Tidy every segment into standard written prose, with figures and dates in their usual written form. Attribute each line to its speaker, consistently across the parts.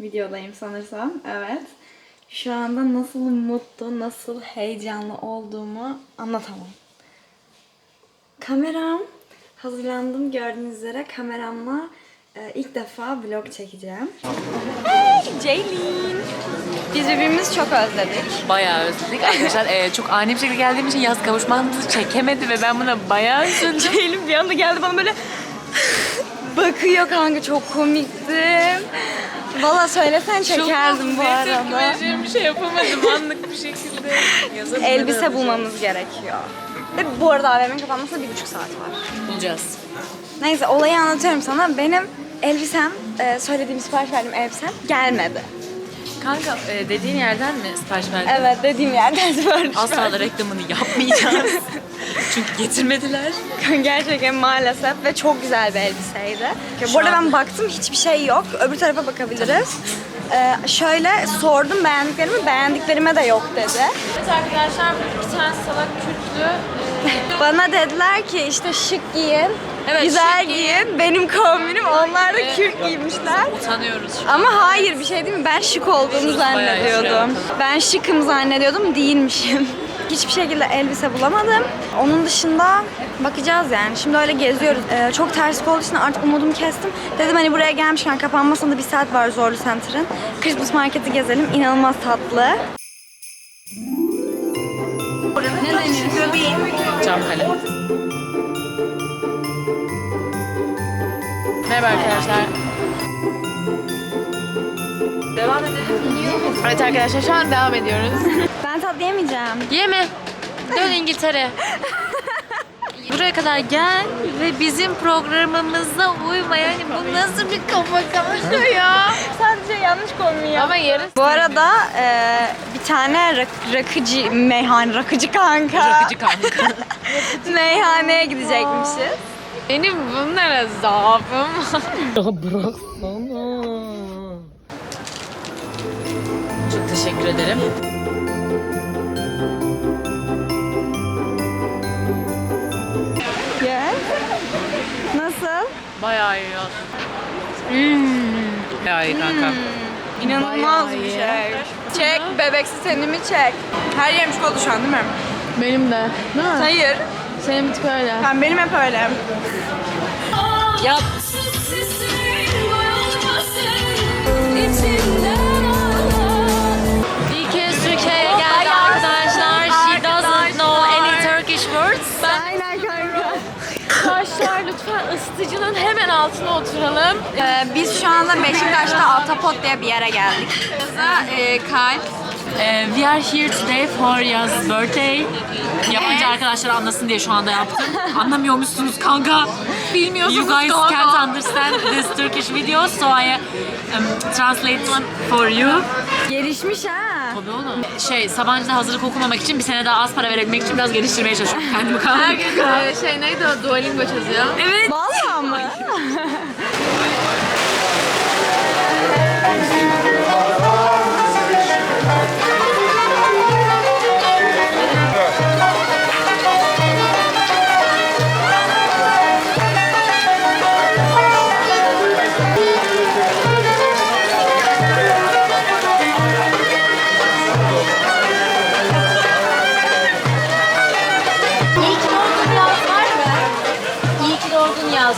Speaker 1: videodayım sanırsam. Evet. Şu anda nasıl mutlu, nasıl heyecanlı olduğumu anlatamam. Kameram. Hazırlandım gördüğünüz üzere. Kameramla ilk defa vlog çekeceğim. Hey Ceylin. Biz birbirimizi çok özledik.
Speaker 2: Bayağı özledik. Arkadaşlar çok ani bir şekilde geldiğim için yaz kavuşmamızı çekemedi ve ben buna bayağı üzüldüm.
Speaker 1: Ceylin bir anda geldi bana böyle bakıyor kanka, çok komiktim. Valla söylesen çekerdim bu arada.
Speaker 2: Bir şey yapamadım anlık bir şekilde.
Speaker 1: Elbise bulmamız gerekiyor. Ve bu arada AVM'nin kapanmasına 1,5 saat var.
Speaker 2: Bulacağız.
Speaker 1: Neyse olayı anlatıyorum sana. Benim elbisem, söylediğim sipariş verdiğim elbisem gelmedi.
Speaker 2: Kanka dediğin yerden mi sipariş verdin?
Speaker 1: Evet, dediğim yerden sipariş
Speaker 2: Asla da reklamını yapmayacağız. Çünkü getirmediler.
Speaker 1: Gerçekten maalesef ve çok güzel bir elbiseydi. Bu arada ben baktım, hiçbir şey yok. Öbür tarafa bakabiliriz. Şöyle sordum beğendiklerime de yok dedi.
Speaker 2: Evet arkadaşlar bir tane salak Kürtlü.
Speaker 1: Bana dediler ki işte şık giyin,
Speaker 2: Evet,
Speaker 1: güzel
Speaker 2: şık
Speaker 1: giyin. Benim kombinim, onlar da Kürt giymişler.
Speaker 2: Utanıyoruz şu an.
Speaker 1: Ama hayır, bir şey değil mi? Ben şık olduğumu zannediyordum. Ben şıkım zannediyordum, değilmişim. Hiçbir şekilde elbise bulamadım. Onun dışında bakacağız yani. Şimdi öyle geziyoruz. Çok terslik olduğu için artık umudumu kestim. Dedim hani buraya gelmişken kapanmasına da 1 saat var Zorlu Center'ın. Christmas marketi gezelim. İnanılmaz tatlı. Ne deniyorsun?
Speaker 2: Camkale. Merhaba arkadaşlar. Devam edelim. Evet arkadaşlar şu an devam ediyoruz.
Speaker 1: Ben tatlı yemeyeceğim.
Speaker 2: Yeme. Dön İngiltere. Buraya kadar gel ve bizim programımıza uyma. Yani bu nasıl bir kafa karşı ya?
Speaker 1: Sadece yanlış konuyu.
Speaker 2: Ama yarın...
Speaker 1: Bu arada bir tane rakıcı kanka.
Speaker 2: Rakıcı kanka.
Speaker 1: Meyhaneye gidecekmişiz.
Speaker 2: Benim bunlara zaafım var. Ya bıraksana. Çok teşekkür ederim.
Speaker 1: Gel. Nasıl?
Speaker 2: Bayağı iyi ya. Bayağı iyi kanka.
Speaker 1: İnanılmaz
Speaker 2: Bayağı
Speaker 1: bir
Speaker 2: iyi.
Speaker 1: şey. Çek, bebeksi tenimi çek. Her yerim çikolata şu an değil mi?
Speaker 2: Benim de. Değil mi?
Speaker 1: Hayır.
Speaker 2: Senin bir tık öyle.
Speaker 1: Benim hep öyle.
Speaker 2: Yap. İlk kez Türkiye'ye geldi arkadaşlar. She doesn't know any Turkish words.
Speaker 1: Aynen kanka.
Speaker 2: Arkadaşlar lütfen ısıtıcının hemen altına oturalım.
Speaker 1: Biz şu anda Beşiktaş'ta Altapot diye bir yere geldik. Kalp.
Speaker 2: We are here today for Yaz's birthday. Yabancı arkadaşlar anlasın diye şu anda yaptım. Anlamıyormuşsunuz kanka.
Speaker 1: Bilmiyorsunuz
Speaker 2: You guys
Speaker 1: kanka.
Speaker 2: can't understand this Turkish video, so I translate one for you.
Speaker 1: Gelişmiş ha.
Speaker 2: Tabii oğlum. Sabancı'da hazırlık okumamak için bir sene daha az para verebilmek için biraz geliştirmeye çalışıyorum kendimi kanka.
Speaker 3: Her gün neydi o? Duolingo çözüyor.
Speaker 2: Evet.
Speaker 1: Vallahi mı?
Speaker 2: İyi ki doğdun yaz var mı? İyi ki doğdun yaz.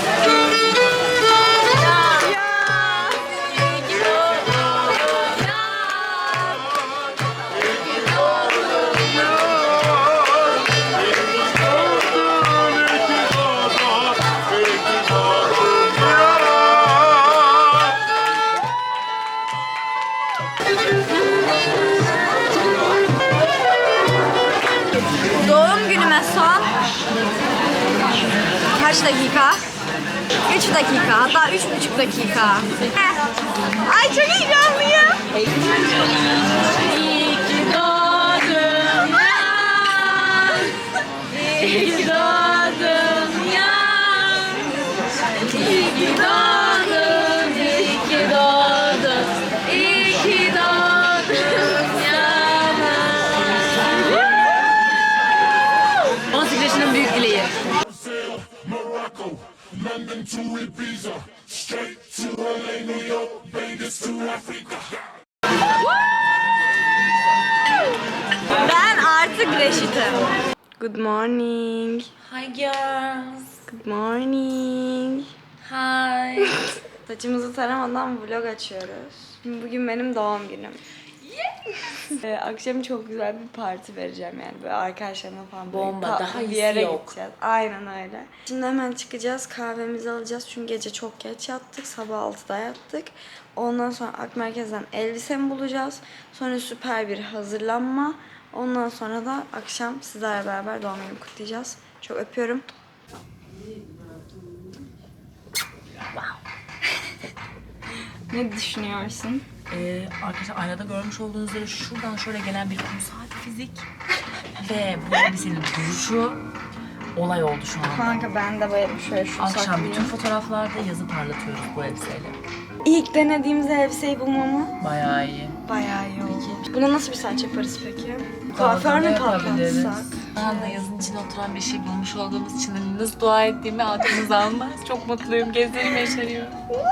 Speaker 1: Doğum günüme son kaç dakika? 3 dakika, hatta 3,5 dakika. Ay çok heyecanlıyım.
Speaker 2: İyi ki doğdun yaz. İyi ki doğdun yaz. İyi ki doğdun, iyi ki doğdun. İyi ki doğdun yaz. 18 yaşının büyük dileği.
Speaker 4: London to Ibiza, straight to LA, New York, Vegas to Las
Speaker 1: de güneşitim. Good morning.
Speaker 2: Hi girls.
Speaker 1: Good morning.
Speaker 2: Hi.
Speaker 1: Saçımızı taramadan vlog açıyoruz. Bugün benim doğum günüm. Akşam çok güzel bir parti vereceğim yani böyle arkadaşlarımla falan.
Speaker 2: Bomba,
Speaker 1: tatlı
Speaker 2: daha
Speaker 1: bir
Speaker 2: iyisi
Speaker 1: yere
Speaker 2: yok.
Speaker 1: gideceğiz. Aynen öyle. Şimdi hemen çıkacağız, kahvemizi alacağız çünkü gece çok geç yattık, sabah 6'da yattık. Ondan sonra Ak Merkez'den elbisemi bulacağız. Sonra süper bir hazırlanma. Ondan sonra da akşam sizlerle beraber doğum günümü kutlayacağız. Çok öpüyorum. Ne düşünüyorsun?
Speaker 2: Arkadaşlar aynada görmüş olduğunuz üzere şuradan şöyle gelen bir kumsal fizik ve bu elbisenin duruşu olay oldu şu an.
Speaker 1: Kanka ben de böyle şöyle şu
Speaker 2: Akşam
Speaker 1: saklayayım.
Speaker 2: bütün fotoğraflarda yazı parlatıyoruz bu elbiseyle.
Speaker 1: İlk denediğimiz elbiseyi bulmamı
Speaker 2: Bayağı iyi.
Speaker 1: bayağı iyi oldu. Buna nasıl bir saç yaparız peki? Kuaför mü patlatsak?
Speaker 2: Ben de yazın içine oturan bir şey bulmuş olduğumuz için hani nasıl dua ettiğimi aklınız almaz. Çok mutluyum. Gözlerim yaşarıyor.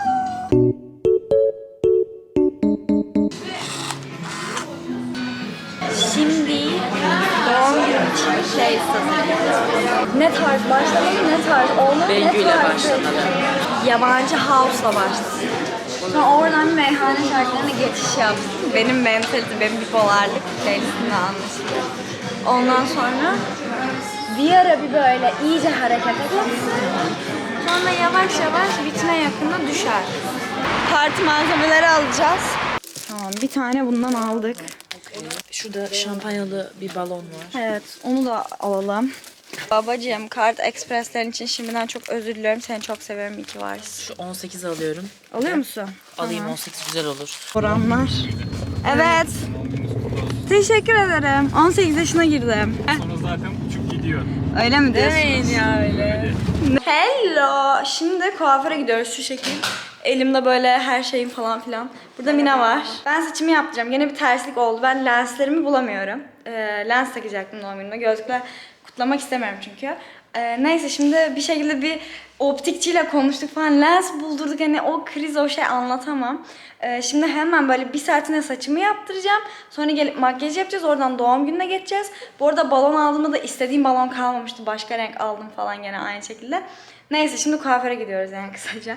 Speaker 1: Şimdi doğum günü için şey hazırlıyoruz. Ne tarz başlamalı, ne tarz olmalı,
Speaker 2: Bengü'yle
Speaker 1: ne tarz
Speaker 2: başlamalı.
Speaker 1: Yabancı house'la başladı. Sonra oradan bir meyhane şarkılarına geçiş yaptım. Benim mentalite, benim bipolarlık playlistimle anlaşılıyor. Ondan sonra bir ara bir böyle iyice harekete geçsin. Sonra yavaş yavaş bitine yakında düşer. Parti malzemeleri alacağız. Tamam, bir tane bundan aldık.
Speaker 2: Şurada şampanyalı bir balon var.
Speaker 1: Evet, onu da alalım. Babacığım, Kart Express'lerin için şimdiden çok özür diliyorum. Seni çok seviyorum, iyi ki varsın.
Speaker 2: Şu 18 alıyorum.
Speaker 1: Alıyor musun?
Speaker 2: Alayım 18 güzel olur.
Speaker 1: Oranlar. Evet. Teşekkür ederim. 18 yaşına girdim.
Speaker 4: Sonra zaten uçup gidiyor.
Speaker 1: Öyle mi diyorsunuz?
Speaker 2: Demeyin ya öyle.
Speaker 1: Hello. Şimdi kuaföre gidiyoruz şu şekil. Elimde böyle her şeyim falan filan. Burada Mina var. Ben saçımı yaptıracağım. Yine bir terslik oldu. Ben lenslerimi bulamıyorum. Lens takacaktım doğum günüme. Gözlükle kutlamak istemiyorum çünkü. Neyse şimdi bir şekilde bir optikçiyle konuştuk falan. Lens buldurduk. Hani o kriz, o şey anlatamam. Şimdi hemen böyle bir saatine saçımı yaptıracağım. Sonra gelip makyaj yapacağız. Oradan doğum gününe geçeceğiz. Bu arada balon aldığımda da istediğim balon kalmamıştı. Başka renk aldım falan gene aynı şekilde. Neyse şimdi kuaföre gidiyoruz yani kısaca.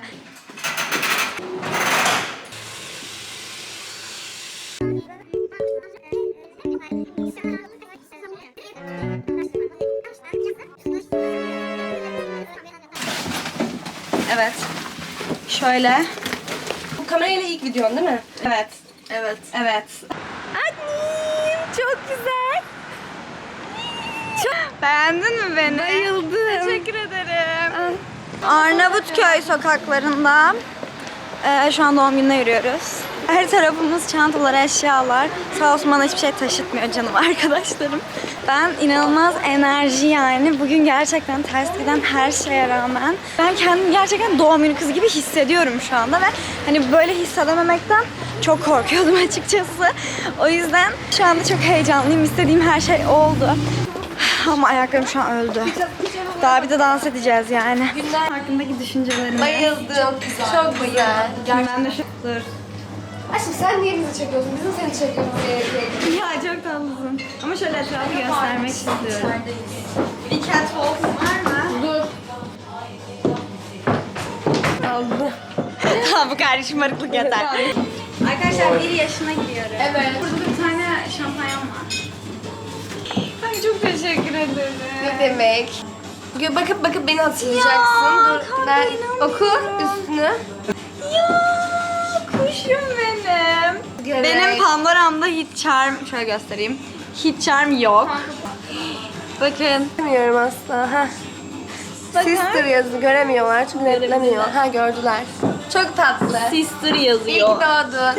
Speaker 1: Evet. Şöyle.
Speaker 3: Bu kamerayla ilk videon değil mi?
Speaker 1: Evet. Evet. Evet. Annem çok güzel. Çok... Beğendin mi beni? Bayıldım. Teşekkür ederim. Arnavutköy sokaklarında şu an doğum gününe yürüyoruz. Her tarafımız çantalar, eşyalar. Sağ olsun bana hiçbir şey taşıtmıyor canım arkadaşlarım. Ben inanılmaz enerji yani. Bugün gerçekten ters giden her şeye rağmen ben kendimi gerçekten doğum günü kızı gibi hissediyorum şu anda ve hani böyle hissedememekten çok korkuyordum açıkçası. O yüzden şu anda çok heyecanlıyım. İstediğim her şey oldu. Ama ayaklarım şu an öldü. Daha bir de dans edeceğiz yani. Günler hakkındaki düşüncelerim.
Speaker 3: Bayıldım. Çok güzel.
Speaker 1: Ben de şu... Dur.
Speaker 3: Aşkım sen niye bizi çekiyorsun? Bizim seni çekiyoruz diye.
Speaker 1: Ya çok tatlısın. Ama şöyle etrafı göstermek istiyorum. Bir catwalk var mı?
Speaker 3: Dur.
Speaker 1: Tamam bu kadar şımarıklık yeter. Arkadaşlar 1 yaşına giriyorum.
Speaker 3: Evet.
Speaker 1: Burada da bir tane şampanyam var. Ay çok teşekkür ederim.
Speaker 3: Ne demek? Bakıp beni hatırlayacaksın.
Speaker 1: Ya,
Speaker 3: Dur.
Speaker 1: kanka,
Speaker 3: Ben
Speaker 1: inanmıyorum.
Speaker 3: oku üstünü.
Speaker 1: Ya kuşum benim.
Speaker 3: Evet.
Speaker 1: Benim Pandora'mda hiç charm, şöyle göstereyim. Hiç charm yok. Bakın.
Speaker 3: Bilmiyorum aslında. Heh. Sister yazı göremiyorlar çünkü netlemiyor. Ha gördüler. Çok tatlı.
Speaker 1: Sister
Speaker 3: İlk
Speaker 1: yazıyor.
Speaker 3: doğdu.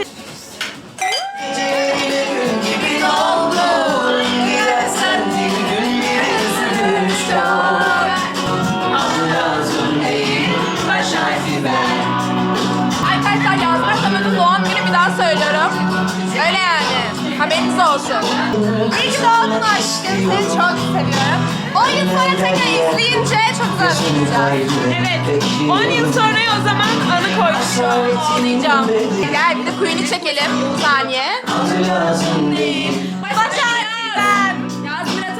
Speaker 3: Arkadaşlar Yasmin Samet'in doğum günü bir daha söylüyorum. Öyle yani. Haberiniz olsun. İyi ki doğdun aşkım. Seni çok seviyorum. 10 yıl sonra tekrar izleyince çok güzel olacak. Evet. 10 yıl sonra o zaman anı koymuşum. Ağlayacağım. Gel bir de Queen'i çekelim. Bir saniye. Başar ben. Yasmin'e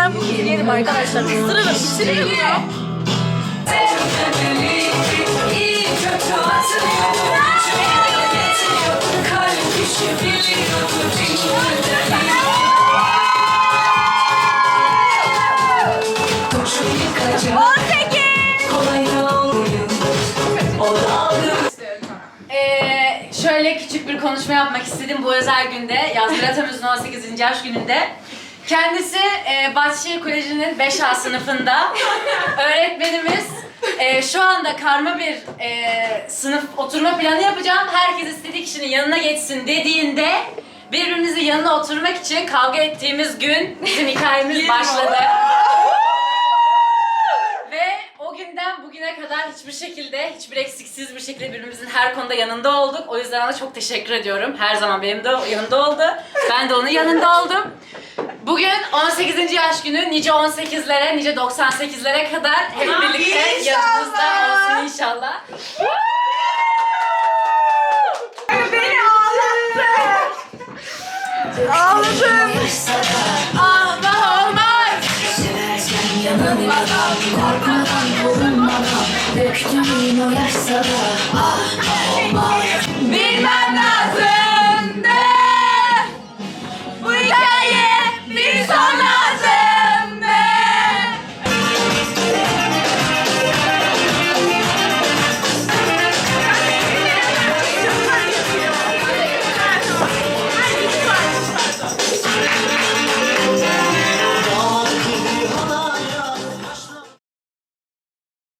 Speaker 3: ben bu kızı yerim arkadaşlar. Isırırım, bitiririm ya.
Speaker 2: Şöyle küçük bir konuşma yapmak istedim bu özel günde. Yazgül Atamöz'ün 18. yaş gününde. Kendisi Bahçeşehir Koleji'nin 5A sınıfında öğretmenimiz. Şu anda karma bir sınıf oturma planı yapacağım. Herkes istediği kişinin yanına geçsin dediğinde birbirimizin yanına oturmak için kavga ettiğimiz gün bizim hikayemiz başladı. Ve o günden bugüne kadar hiçbir şekilde, hiçbir eksiksiz bir şekilde birbirimizin her konuda yanında olduk. O yüzden ona çok teşekkür ediyorum. Her zaman benim de yanında oldu. Ben de onun yanında oldum. Bugün 18. yaş günü, nice 18'lere, nice 98'lere kadar hep birlikte yanımızda olsun inşallah.
Speaker 1: Beni ağlattı. Ağladım.
Speaker 2: Allah olmaz!
Speaker 5: Yanımda korkmadan bulunmadan döktüğüm o yaşsa da